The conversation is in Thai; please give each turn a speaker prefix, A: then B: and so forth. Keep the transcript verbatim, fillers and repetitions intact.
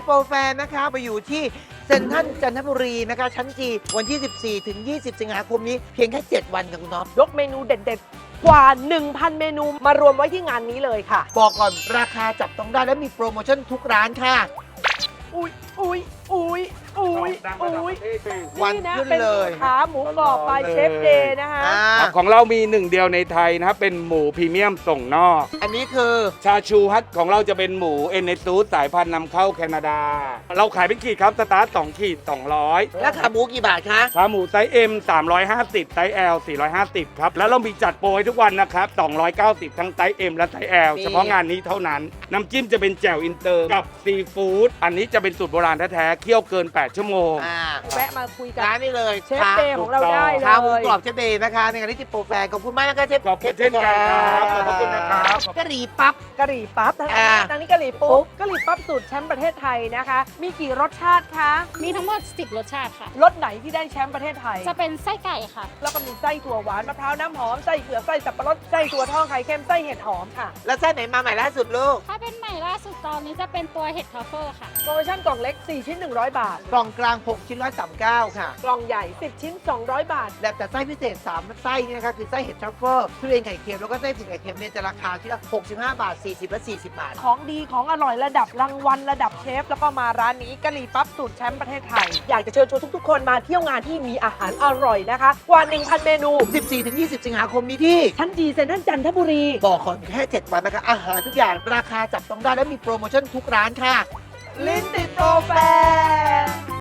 A: โปรแฟร์นะคะไปอยู่ที่เซ็นทรัลจันทบุรีนะคะชั้นจีวันที่ สิบสี่ถึงยี่สิบ สิงหาคมนี้เพียงแค่ เจ็ด วันค่ะคุณน็อป
B: ยกเมนูเด็ดๆ กว่า หนึ่งพัน เมนูมารวมไว้ที่งานนี้เลยค่ะ
A: บอกก่อนราคาจับต้องได้และมีโปรโมชั่นทุกร้านค่ะ
B: อุ้ยอุ้ยอุ้ยอุ้ยอุ้ย
A: วัน
B: นี่นะ
A: ขึ้น
B: เป็น
A: เลย
B: ขาหมูกรอบบายเชฟเดย์นะคะ
A: อ่า
C: ครับของเรามีหนึ่งเดียวในไทยนะครับเป็นหมูพรีเมียมส่งนอก
A: อันนี้คือ
C: ชาชูฮัทของเราจะเป็นหมูเอเนซูสายพันธุ์นำเข้าแคนาดา เราขายเป็นขีดครับสตาร์ทสองขีดสองร้อย
A: แล้วขาหมูกี่บาทคะ
C: ขาหมูไซส์ เอ็ม สามร้อยห้าสิบ ไซส์ แอล สี่ร้อยห้าสิบ ครับ แล้วเรามีจัดโปรให้ทุกวันนะครับ สองร้อยเก้าสิบ ทั้งไซส์ เอ็ม และไซส์ แอล เฉพาะงานนี้เท่านั้น น้ำจิ้มจะเป็นแจ่วอินเตอร์กับซีฟู้ดอันนี้จะเป็นสูตรโบราณแท้ๆเคี่ยวเกิน แปด ชั่วโมง
A: อ่า
B: แวะมาคุยกับ
A: ร้านนี้เลย
B: เชฟเดย์ของเราได้เล
A: ขาหมู
B: ย
A: กรอบเชฟเดย์นะคะในงานที่จิโปรแฟร์ขอบคุณมากนะคะเชฟ
C: ขอบคุณเช่นกันครับขอบคุณนะครับ
A: กะหรี่ปั๊บ
B: กะหรี่ปั๊บทาง
A: อ่า
B: นี้ทางนี้กะหรี่ปุ๊บกะหรี่ปั๊บสูตรแชมป์ประเทศไทยนะคะ มีกี่รสชาติคะ
D: มีทั้งหมด สิบ รสชาติค่ะ
B: รสไหนที่ได้แชมป์ประเทศไทย
D: จะเป็นไส้ไก่ค่ะ
B: แล้วก็มีไส้ถั่วหวานมะพร้าวน้ำหอมไส้เผือกไส้สับปะรดไส้ถั่วทองไข่เค็มไส้เห็ดหอมค่ะ
A: แล้วไส้ไหนมาใหม่ล่าสุดลูก
D: ถ้าเป็นใหม่ล่าสุดตอนนี้จะเป็นตัวเห็ดทรัฟเฟิลค่ะ
B: โปรโมชั่นกล่องเล็ก สี่ ชิ้น หนึ่งร้อย บาท
A: กล่องกลางหกชิ้นร้อยสามสิบเก้าค่ะ
B: กล่องใหญ่ สิบ ชิ้น สองร้อย บาท
A: และแต่ไส้พิเศษสามไส้นี่นะคะคือไส้เห็ดทรัฟเฟิลทุเรียนไข่เค็มแล้วก็ไส้ผึ่งไข่เค็มเนี่ยจะราคาที่ละหกสิบห้าบาทสี่สิบและสี่สิบบาท
B: ของดีของอร่อยระดับรางวัลระดับเชฟ แล้วก็มาร้านนี้กะหรี่ปั๊บสูตรแชมป์ประเทศไทย อยากจะเชิญชวนทุกๆ คนมาเที่ยวงานที่มีอาหารอร่อยนะคะ กว่า หนึ่งพัน เมนู
A: สิบสี่ถึงยี่สิบ สิงหาคมนี้ที่
B: ชั้นจีเซ็นทรัลจันทบุรี
A: บอกก่อนแค่ เจ็ด วันนะคะอาหารทุกอย่างราคาจับต้องได้และมีโปรโมชั่นทุกร้านค่ะ
B: ลิ้นติดโปรแฟร์